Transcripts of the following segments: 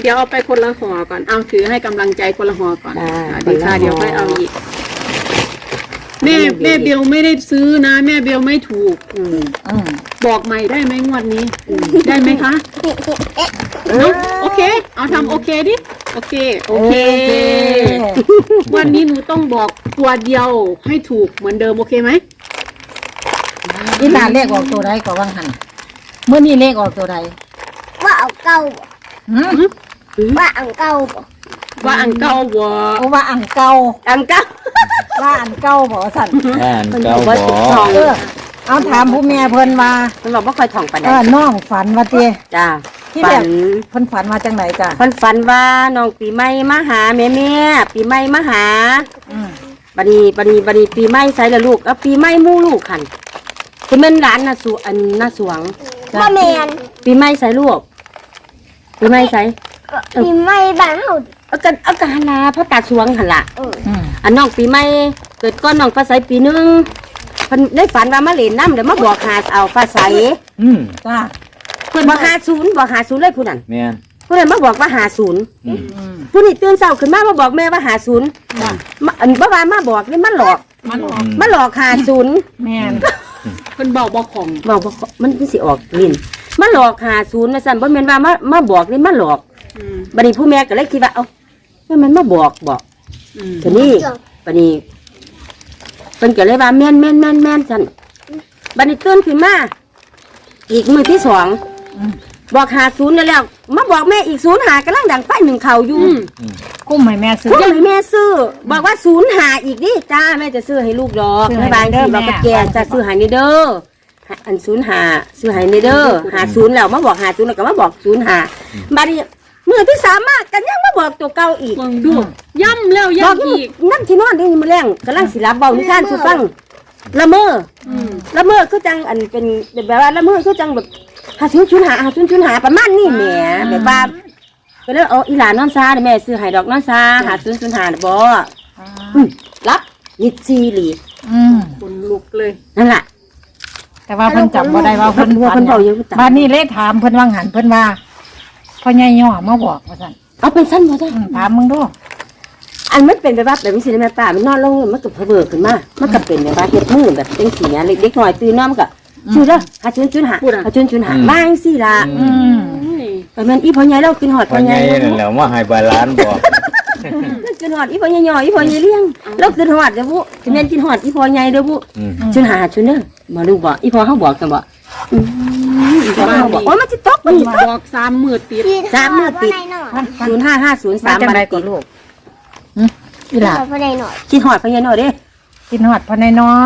ดี๋ยวเอาไปคนละห่อก่อนเอาถือให้กำลังใจคนละห่อก่อนดีค่ะเดี๋ยวค่อยเอาอีกแม่เบลไม่ได้ซื้อนะแม่เบลไม่ถูกบอกใหม่ได้ไหมงวดนี้ได้ไหมคะโอเคเอาทำโอเคดิโอเควันนี้หนูต้องบอกตัวเดียวให้ถูกเหมือนเดิมโอเคไหมอีหลานเลขออกตัวใดก็ว่างหันเมื่อนี้เลขออกตัวใดว่าอังเก่าว่าอังเก่าว่าอันเก่าบ่ว่าอังเก่าว่าอันเก่าบ่สั่นอันเก่าบ่เอาถามผู้แม่เพิ่นว่าเพิ่นบอกบ่ค่อยท่องปานใดน้องฝันว่าติจ้าที่แบบเพิ่นฝันว่าจังไหนจ้ะเพิ่นฝันว่าน้องปีใหม่มาหาแม่ปีใหม่มาหาบัดนี้ปีใหม่ใส่ละลูกเอาปีใหม่มู่ลูกคั่นคือแม่นหลานน่ะสุอันน่ะสวงบ่แม่นปีใหม่ใส่ลูกปีใหม่ใส่ปีใหม่บ้านเฮาเอากันหั่นล่ะเพราะตาสวงหั่นล่ะอันน้องปีใหม่เกิดก่อนน้องฟ้าใสปีนึงเพิ่นได้ฝันว่ามาเล่นน้ำเดี๋ยวมาบอกหาเอาฟ้าใสจ้าเพิ่นบอก50เลยผู้นั้นแม่นผู้นั้นมาบอกว่า50ผู้นี้ตื่นเช้าขึ้นมาบอกแม่ว่า50อันบ่ว่ามาบอกนี่มันหลอก50 แม่นเพิ่นบอกของบอกมันสิออกลิ้นมันหลอก50ว่าซั่นบ่แม่นว่ามาบอกนี่มันหลอกบัดนี้ผู้แม่ก็เลยคิดว่าเอ้ามันมาบอกทีนี้บัดนี้เพิ่นก็เลยว่าแม่นซั่นบัดนี้ตื่นขึ้นมาอีกมื้อที่2บอก50แล้วมาบอกแม่อีก05กำลังดังไฟหนึ่งเข่าอยู่กุ้มให้แม่ซื้อบอกว่า05อีกดิจ้าแม่จะซื้อให้ลูกดอกแม่บางทีบอกกับแกจะซื้อให้นี่เด้ออัน05ซื้อให้นี่เด้อ50แล้วมาบอก50แล้วก็มาบอก05บัดนี้มื้อที่3มากันยังมาบอกตัวเก่าอีกดูย่ำแล้วย่ำอีกนั่นที่นอนนี่มื้อแรงกำลังสิรับเว้านิทานสู่ฟังละเมอคือจังอันเป็นแบบว่าละเมอคือจังแบบ5005ประมาณนี้แหมแบบว่าก็เลยอีหลานนอนซาแม่ซื้อให้ดอกนอนซา5005บ่รับยิดซีหลีคนลุกเลยนั่นล่ะแต่ว่าเพิ่นจำบ่ได้ว่าเพิ่นเว้าอยู่บัดนี้เลยถามเพิ่นว่าหันเพิ่นว่าพ่อใหญ่ย่อมาบอกว่าซั่นเอาเป็นซั่นบ่จ้ะถามมึงดูอันมันเป็นแบบนี้สิแม่ป้ามันนอนลงมันก็เผลอขึ้นมามันก็เป็นแบบว่าเฮ็ดมือแบบจังซี่เนี่ยเด็กๆน้อยตื่นนอนก็ชื่อเด้อ5005มาจังซี่ล่ะแต่แม่นอีพ่อใหญ่เรากินฮอดพ่อใหญ่นั่นแหละมาให้บาลานบอกกินฮอดอีพ่อใหญ่อีพ่อใหญ่เลี้ยงเรากินฮอดเด้อบุสิแม่นกินฮอดอีพ่อใหญ่เด้อบุ05เด้อมาดูบ่อีพ่อเฮาบอกกันบ่อีพ่อเฮาบอกโอ้ยมันสิตกมันบอก3มื้อติด 3มื้อติด0550 3บัดนี้ลูกอีหล่ะกินฮอดพ่อใหญ่น้อยเด้กินฮอดพ่อใหญ่น้อ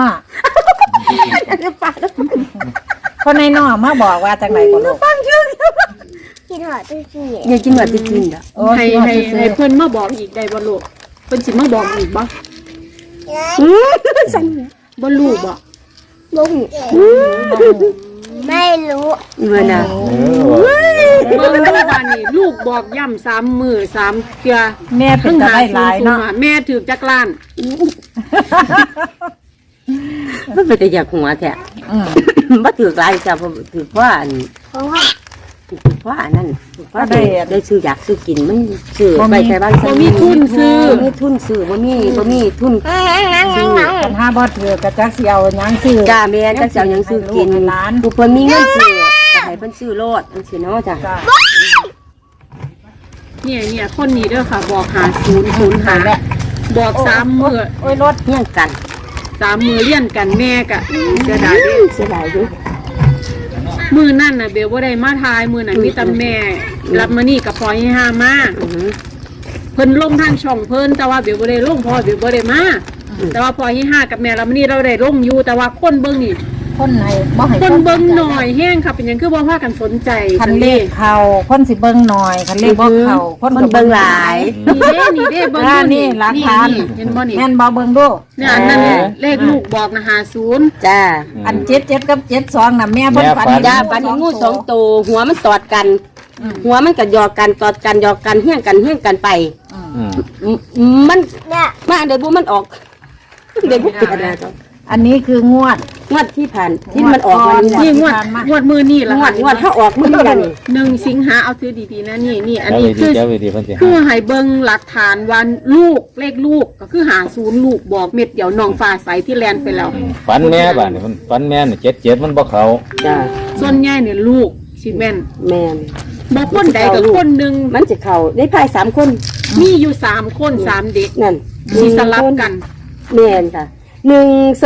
พ่อใหญ่น้อมาบอกว่าจังได๋ก็ลูกฟังชื่อกินฮอดซื่ออย่ากินฮอดซื่อๆให้เพิ่นมาบอกอีกได้บ่ลูกเพิ่นสิมาบอกอีกบ่สั่นบ่รู้บ่ไม่รู้เมื่อน่ะเบิ่งดูว่านี่ลูกบอกย่ำ3มื้อ3เทื่อแม่เป็นตาได้หลายเนาะแม่ถูกจักล้านมันเป็นแต่อยากหัวแท้บ่ถูกหลายจ้ะบ่ถูกเพราะอันเพราะอันนั้นเพราะได้ซื้ออยากซื้อกินมันซื้อไปแต่บ้านบ่มีทุนซื้อบ่มีทุนทุนปัญหาบ่ถือกระจักสิเอาหยังซื้อจ้าแม่จักสิเอาหยังซื้อกินผู้เพิ่นมีเงินซื้อก็ให้เพิ่นซื้อโลดจังซี่เนาะจ้ะเนี่ยคนนี้เด้อค่ะบอก5005บอก3มื้อโอ้ยรถเฮียงกัน 3มื้อเรียนกันแม่ก็เสียดายอยู่มื้อนั้นน่ะเบลบ่ได้มาทายมื้อนั้นมีแต่แม่รับมานี่กับพ่อให้หามาเพิ่นลงทางช่องเพิ่นแต่ว่าเบลบ่ได้ลงพ่อเบลบ่ได้มาแต่ว่าพ่อให้หากับแม่รับมานี่เราได้ลงอยู่แต่ว่าคนเบิ่งนี่คนไหนบ่ให้คนเบิ่งหน่อยแห้งค่ะเป็นหยังคือบ่พากันสนใจคันเลขเข้าคนสิเบิ่งหน่อยคันเลขบ่เข้าคนเบิ่งหลายนี่เด้เบิ่งนี่หลักฐานเห็นบ่นี่แม่นบ่เบิ่งดูเนี่ยอันนั้นเลขลูกบอกนะ50 จ้าอัน77กับ72น่ะแม่เพิ่นฝันจ้าฝันงู2ตัวหัวมันตอดกันหัวมันก็หยอกกันตอดกันหยอกกันเฮี้ยงกันไปมันมาเดี๋ยวบุมันออกเดี๋ยวบุเกิดอะไรอันนี้คืองวดงวดที่ผ่านที่มันออกวันนี้แหละนี่งวดมือนี่ละงวดถ้าออกมื้อนี้นี่ 1 สิงหาเอาซื้อดีๆนะนี่อันเจ้านี้วิธีเจ้าวิธีเพิ่นสิคือให้เบิ่งหลักฐานวันลูกเลขลูกก็คือหา0ลูกบอกเม็ดเดียวน้องฟ้าใสที่แลนไปแล้วฝันแม่บ้านนี่มันฝันแม่นี่77มันบ่เข้าจ้าส่วนใหญ่เนี่ยลูกสิแม่นแม่นบ่คนใดกับคนหนึงมันจะเข้าได้ภาย3คนมีอยู่3คน3เด็กนั่นสิสลับกันแม่นค่ะ1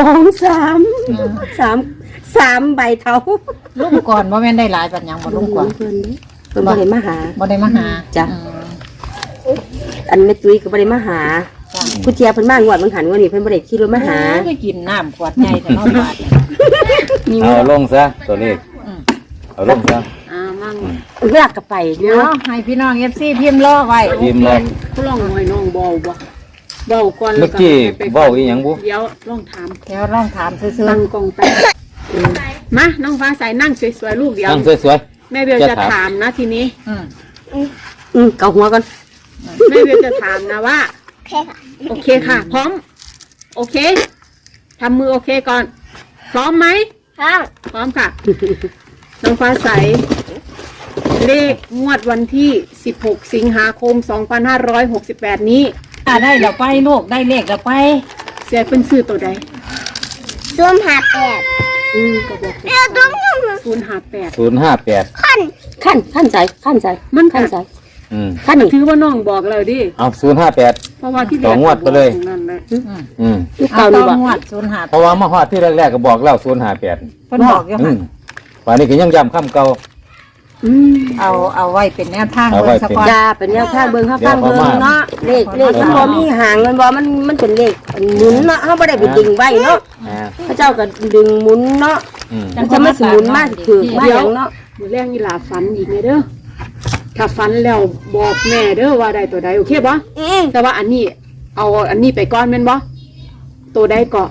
2 3 ใบเท่าลุงก่อนบ่แม่นได้หลายปันหยังบ่ลุงก่อนเพิ่นบ่ได้มาหาบ่ได้มาหาจ้ะอืมอันแม่ตุ้ยก็บ่ได้มาหาจ้ะผู้เจียเพิ่นมางวดมันหันงวดนี้เพิ่นบ่ได้ขี่รถมาหาไปกินน้ำขวดใหญ่แต่นอนบาดเอาลงซะตัวเลขอืมเอาลงซะมั่งเวลากลับไปเดี๋ยวเนาะให้พี่น้อง FC พิมพ์รอไว้พิมพ์เลยผู้ลองหน่อยน้องเบาก่อนเมื่อกี้เว้าอีหยังบุเดี๋ยวลองถามเดี๋ยวลองถามซื่อตั้งกล้องไปมาน้องฟ้าใสนั่งสวยๆลูกเดียวนั่งสวยแม่เบลจะถามนะทีนี้ๆอืมเกาหัวก่อนแม่เบลจะถามนะว่าโอเคค่ะโอเคค่ะ พร้อม โอเคทำมือโอเคก่อน พร้อมไหมครับพร้อมค่ะ น้องฟ้าใส เลขงวดวันที่ 16 สิงหาคม 2568 นี้ได้แล้วไปลูกได้เลขแล้วไปเสียเป็นซื้อตัวใดส้มหาแปดก็บอกเออตุ้ม 058 058 ขั้นขั้นใจมันขั้นใจอืมขั้นนี่ถือว่าน้องบอกเลยดิเอา058 เพราะว่าที่ต่องวดไปเลยนั่นแหละอืมลูกเอาเก่าต้นี่องบ่งวด05 เพราะว่ามาฮอดที่แรกๆก็บอกแล้ว058 เพิ่นบอกอยู่อืหั่นมวันนี้ก็ยังย้ำคำเก่าเอาไว้เป็นแนวทางเอาไว้เบิ่งซะก่อนจ้าเป็นแนวทางเบิ่งข้าฟังเดี๋เบิ่ยวงเขามาเนาะเลขมันบ่มีหางมันบ่มันเป็นเลขหมุนเนาะเฮาบ่ได้ไปดึงไว้เนาะอ่าพระเจ้าก็ดึงหมุนเนาะอืมมันจะไม่สิหมุนมากถือมาหยังเนาะมือแรกนี่หลาฝันอีกไงเด้อ ถ้าฝันแล้วบอกแม่เด้อว่าได้ตัวใดโอเคปะแต่ว่าอันนี้เอาอันนี้ไปก่อนแม่นบ่ตัวใดก็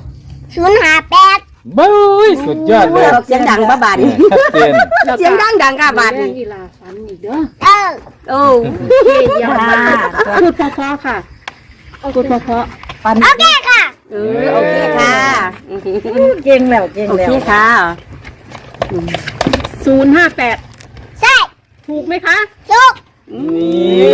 058 บ้ยสุดยอดเลยเสียงดังบ่บาดนี่ชัดเจนเสียงดังค่ะบาดมือแรนี่กนี่หลาฝันอีกเด้อเออโอ้โอเคเยี่ยมมากพูดเพราะๆค่ะพูดเพราะปันโอเคค่ะโอเคค่ะเก่งแล้วเก่งโอแล้วเคค่ะๆ058 ใช่ถูกไหมคะถูกนี่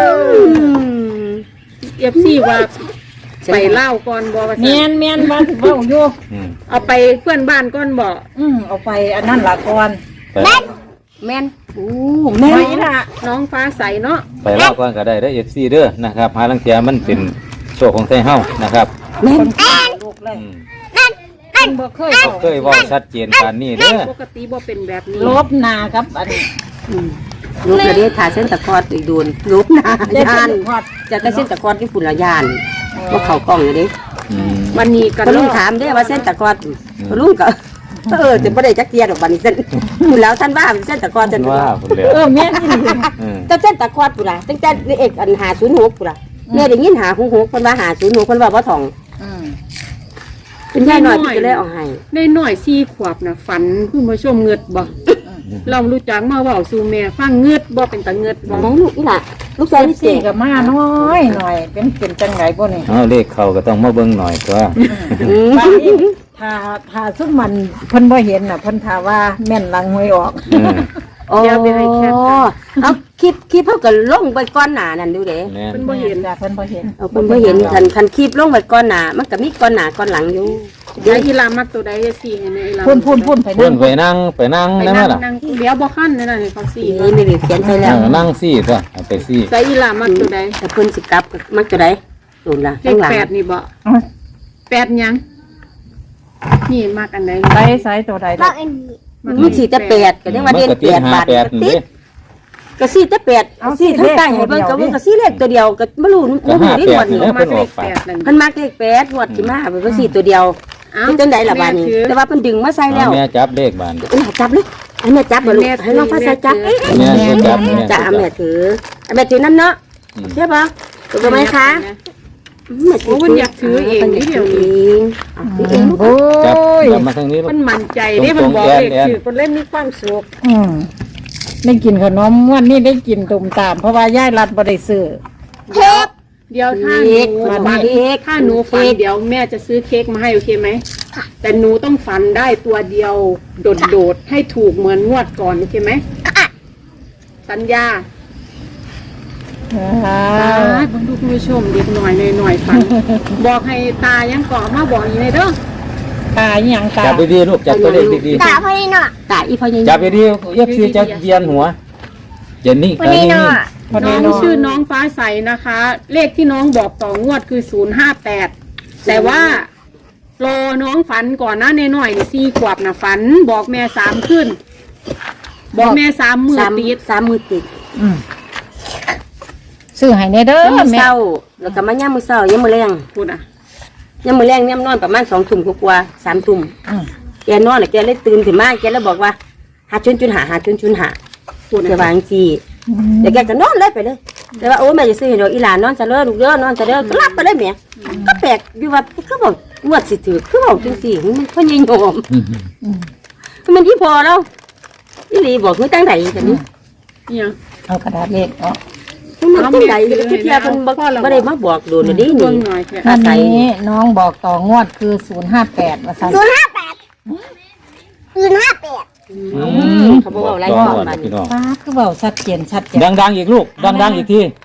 FC ว่าไปเล่าก่อนบ่ว่าเมีซั่ยนนเมียนมาสิเว้าอยู่อืมเอาไปเพื่อนบ้านก่อนบ่เอาไปอันนั้นละก่อนไปแม่นโอ้แม่ไปนละน้องฟ้าใสเนาะไปเล่าก่อนก็ได้ได้ FC เด้อนะครับหาลังเทียมันเป็นโชคของไทยเฮานะครับแม่นลูกเลยอืมมันบ่เคยบอกเคยเว่าชัดเจนปานนี้เด้อปกติบ่เป็นแบบนี้ลบหนากับอันนี้รูปกระเดียถ่าเส้นตะคอดอีกโดนรูปหน้าได้ยานพอดจากเส้นตะคอดที่ฝุ่นละยานว่าเขากล้องเลยดิอืมวันนี้กันพอลุงถามได้ว่าเส้นตะคอดพอลุงก็จะไม่ได้จักเกียร์ดอกบัดนเส้นคุณแล้วท่านว่าเส้นตะคอดจะว่าผมเลยแม่นี่อืมแต่เส้นตะคอดปุ่นละตั้งแต่เอกอันหา06ปุ่นละเนี่ยได้ยินหา66คนว่าหา06คนว่าบ่ถ่องเป็นย่ายหน่อยที่จะเลยเอาให้ได้หน่อย4 ขวบน่ะฝันคุณผู้ชมเงือดบ่เรารู้จักมาเว้าสู่แม่ฟังเงือดบ่เป็นตาเงือดบ่ไหนลูกนี่ล่ะลูกชายนี่เจ๋สี่กับมาน้อยหน่อยเป็นจังไงบ่นี่เอาเลขเขาก็ต้องมาเบิ่งหน่อยตัวบางทีถ้าซุ่มมันเพิ่นบ่เห็นน่ะเพิ่นถาว่าแม่นลังหวยออกอืมโอ้เอาคลิปเฮาก็ลงไปก่อนหน้านั่นดูเด้แม่นเพิ่นบ่เห็นจ้ะเพิ่นบ่เห็นเอาเพิ่นบ่เห็นคันคลิปลงไปก่อนหน้ามันก็มีก่อนหน้าก่อนหลังอยู่เดี๋ยวอีหลามักตัวใดจะสิให้แม่อีหลาพุ่นไปเพิ่นั่นงไปนั่งได้ไหมล่ะนั่งเดี๋ยวบ่คันนั่นน่ะให้เขาสินี่ไม่ได้เขียนใส่แล้วนั่งซี่ตัวเอาไปซี่ใส่อีหลามักตัวใดแต่เพิ่นสิกลับมักจะได้โดนละเลข้าขงหลัง 8นี่บ่8หยังนี่มักอันใดไปไสตัวใดบล่ะอกอันนี้มันสิแต่8ก็ยังว่าเด่นมันก็ติด 8 บาท 58นี่ก็สิแต่8สิทั้งใต้ให้เบิ่งก็มันก็สิเลขตัวเดียวก็บ่รู้ก็บ่รู้นี่หมด 58นี่นี่แหละมักเลข8นั่นเพิ่นมักเลข8งวดที่มาเพิ่นก็สิตัวเดียวเอ้าเป็นจังได๋ล่ะบาดนี้แม่ถือแต่ว่าเพิ่นดึงมาใส่แล้วเอาแม่จับเลขบานอันนี้จับเลยอันนี้จับบ่ลูกให้น้องฟ้าใสจับแม่ช่วยจับแม่จ้าช่วยแม่จับถือแม่ถือนั่นเนาะใช่ป่ะถูกไหมคะแม่ถืโอ้มันอยากถือเองนี่เดียวถือนี้เองถือเองลูกโอ้จับยจับมาทางนี้ลูกมันมั่นใจเด้มันบอกเลขถือคนเล่นมีความสุขได้กินขนมวันนี้ได้กินตุ่มตาม เพราะว่ายายรัดบ่ได้ซื้อเค้กเดี๋ยวถ้าหเค้กนูมันฝันเค้กถ้าหนูฝันเดี๋ยวแม่จะซื้อเค้กมาให้โอเคไหมแต่หนูต้องฝันได้ตัวเดียวโดดๆให้ถูกเหมือนงวดก่อนโอเคไหมสัญญาบรรทุกผู้ชมเด็กหน่อยฝัน บอกให้ตายังก่อมาบอกอย่างไรเด้อตาอีหยังตาจับดีๆลูกจับตัวเลขดีตาพ่อนี่เนาะตาอีพ่อใหญ่ๆจับดีๆFC จะเยียนหัวเย็นนี่พ่อนี่เนาะพอน้ดีองเนาะชื่อน้องฟ้าใสนะคะ เลขที่น้องบอกต่องวดคือ058แต่ว่ารอน้องฝันก่อนนะในหน่อยนี่4 ขวบนะฝันบอกแม่3ขึ้น บอกแม่3 มือติดสามมือติดอืมซื้อให้แน่เด้อแล้วมือแม่เศร้าแล้วก็มาย่ามมือเศร้าย่ามมือแรงพูดอ่ะย่ามมือแรงย่ามนอนประมาณ2 ทุ่มกว่าๆ3 ทุ่มอืมแกนอนแล้วแกเลยตื่นขึ้นมาแกเลยบอกว่าหาจุนหาพูดจะวางจีเดี๋ยวแกก็นอนเลยไปเลยแต่ว่าโอ้แม่จะซื้อให้ดอกอีหลานนอนซะเด้อลูกเด้อนอนซะเด้อก็รับไปเลยแม่ก็แปลกอยู่ว่าคือบอกงวดสิถือคือบอกจังซี่มันพ่อใหญ่โยมมันที่พอแล้วอีหลีบอกคือตั้งใดจังนี้เนี่ยเอากระดาษเลขออกมันตั้งใดคือเที่ยเพิ่นบ่ได้มาบอกโดนดิเบิ่นี่งหน่อยแค่วันนี้น้องบอกต่องวดคือ058ว่าซั่นเขาบอกว่าอะไรต่ก่ออนงวดมันพี่น้องฟ้าคือเว้าชัดเจนดังๆอีกลูกดังๆอีกที